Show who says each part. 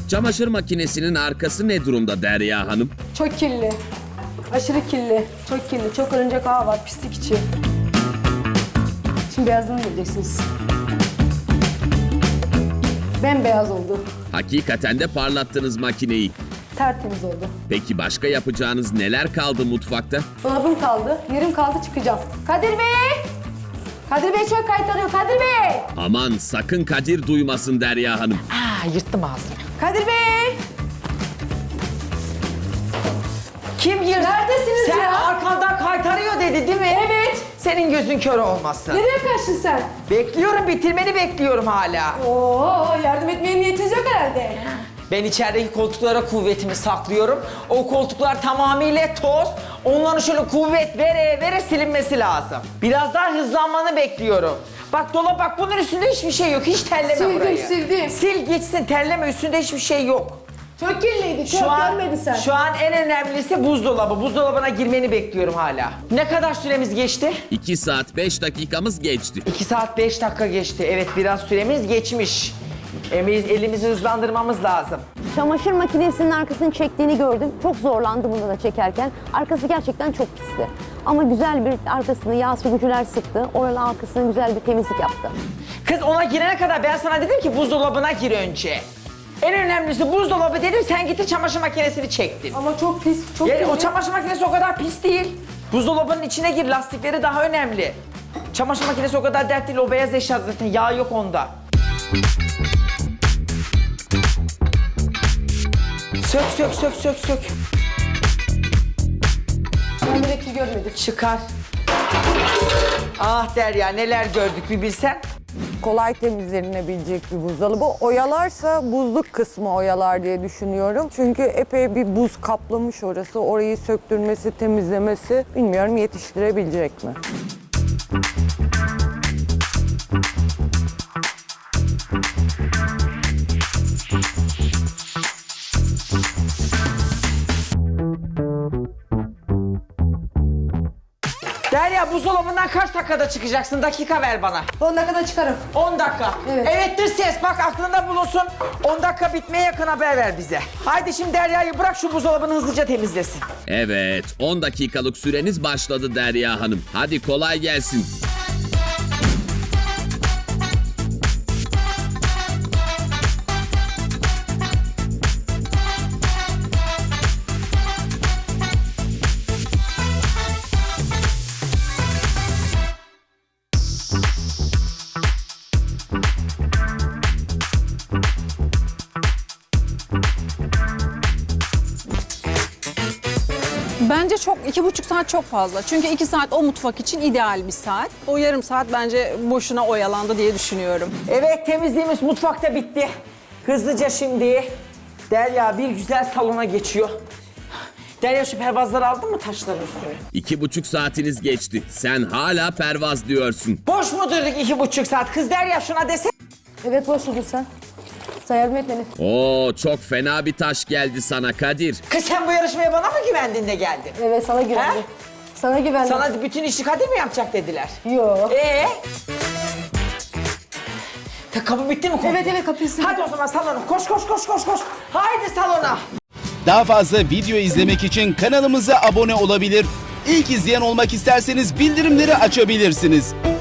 Speaker 1: Çamaşır makinesinin arkası ne durumda Derya Hanım?
Speaker 2: Çok kirli. Aşırı kirli. Çok kirli. Çok örümcek ağı var pislik içi. Şimdi beyazını göreceksiniz. Bembeyaz oldu.
Speaker 1: Hakikaten de parlattınız makineyi.
Speaker 2: Tertemiz oldu.
Speaker 1: Peki başka yapacağınız neler kaldı mutfakta?
Speaker 2: Dolabım kaldı. Yerim kaldı, çıkacağım. Kadir Bey! Kadir Bey çok kaytarıyor. Kadir Bey!
Speaker 1: Aman sakın Kadir duymasın Derya Hanım.
Speaker 3: Yırttım ağzını.
Speaker 2: Kadir Bey!
Speaker 3: Kim girdi?
Speaker 2: Neredesiniz
Speaker 3: Sen
Speaker 2: ya?
Speaker 3: arkandan kaytarıyor dedi değil mi?
Speaker 2: Evet.
Speaker 3: Senin gözün kör olmasın.
Speaker 2: Nereye kaçtın sen?
Speaker 3: Bekliyorum, bitirmeni bekliyorum hala.
Speaker 2: Oo, yardım etmeye niyetiniz yok herhalde.
Speaker 3: Ben içerideki koltuklara kuvvetimi saklıyorum. O koltuklar tamamıyla toz. Onların şöyle kuvvet vere vere silinmesi lazım. Biraz daha hızlanmanı bekliyorum. Bak dolap bak, bunun üstünde hiçbir şey yok. Hiç terleme
Speaker 2: Sildim,
Speaker 3: burayı.
Speaker 2: sildim.
Speaker 3: Sil gitsin, terleme, üstünde hiçbir şey yok.
Speaker 2: Çok kirliydi, çok görmedin sen.
Speaker 3: Şu an en önemlisi buzdolabı. Buzdolabına girmeni bekliyorum hala. Ne kadar süremiz geçti?
Speaker 1: 2 saat 5 dakikamız geçti.
Speaker 3: 2 saat 5 dakika geçti. Evet, biraz süremiz geçmiş. Elimizi hızlandırmamız lazım.
Speaker 4: Çamaşır makinesinin arkasını çektiğini gördüm. Çok zorlandı bunu da çekerken. Arkası gerçekten çok pisti. Ama güzel bir arkasını yağ sürücüler sıktı. Oranın arkasını güzel bir temizlik yaptı.
Speaker 3: Kız ona girene kadar ben sana dedim ki buzdolabına gir önce. En önemlisi buzdolabı dedim, sen gittin çamaşır makinesini çektin.
Speaker 2: Ama çok pis, çok
Speaker 3: Yani
Speaker 2: kirli.
Speaker 3: o çamaşır makinesi o kadar pis değil. Buzdolabının içine gir, lastikleri daha önemli. Çamaşır makinesi o kadar dert değil, o beyaz eşya zaten, yağ yok onda. Sök.
Speaker 2: Ben direkt görmedim.
Speaker 3: Çıkar. Ah Derya, neler gördük bir bilsen.
Speaker 5: Kolay temizlenebilecek bir buzdolabı. Oyalarsa buzluk kısmı oyalar diye düşünüyorum. Çünkü epey bir buz kaplamış orası. Orayı söktürmesi, temizlemesi bilmiyorum yetiştirebilecek mi?
Speaker 3: Derya, buzdolabından kaç dakikada çıkacaksın? Dakika ver bana.
Speaker 2: 10 dakikada çıkarım.
Speaker 3: 10 dakika.
Speaker 2: Evet.
Speaker 3: Evettir ses, bak aklında bulunsun. 10 dakika bitmeye yakın haber ver bize. Haydi şimdi Derya'yı bırak, şu buzdolabını hızlıca temizlesin.
Speaker 1: Evet 10 dakikalık süreniz başladı Derya Hanım. Hadi kolay gelsin.
Speaker 6: Bence çok, 2,5 saat çok fazla. Çünkü 2 saat o mutfak için ideal bir saat. O yarım saat bence boşuna oyalandı diye düşünüyorum.
Speaker 3: Evet, temizliğimiz mutfakta bitti. Hızlıca şimdi Derya bir güzel salona geçiyor. Derya, şu pervazları aldın mı taşların üstüne?
Speaker 1: 2,5 saatiniz geçti. Sen hala pervaz diyorsun.
Speaker 3: Boş mu durduk 2,5 saat? Kız Derya, şuna desene.
Speaker 2: Evet, boş dur sen. Sen yardım et beni.
Speaker 1: Oo çok fena bir taş geldi sana Kadir.
Speaker 3: Kız sen bu yarışmaya bana mı güvendin de geldin?
Speaker 2: Evet, sana güvendim.
Speaker 3: He?
Speaker 2: Sana güvendim.
Speaker 3: Sana bütün işi Kadir mi yapacak dediler?
Speaker 2: Yok.
Speaker 3: Kapı bitti mi?
Speaker 2: Evet, kapıyı sil.
Speaker 3: Hadi o zaman salona. Koş. Haydi salona.
Speaker 7: Daha fazla video izlemek için kanalımıza abone olabilir. İlk izleyen olmak isterseniz bildirimleri açabilirsiniz.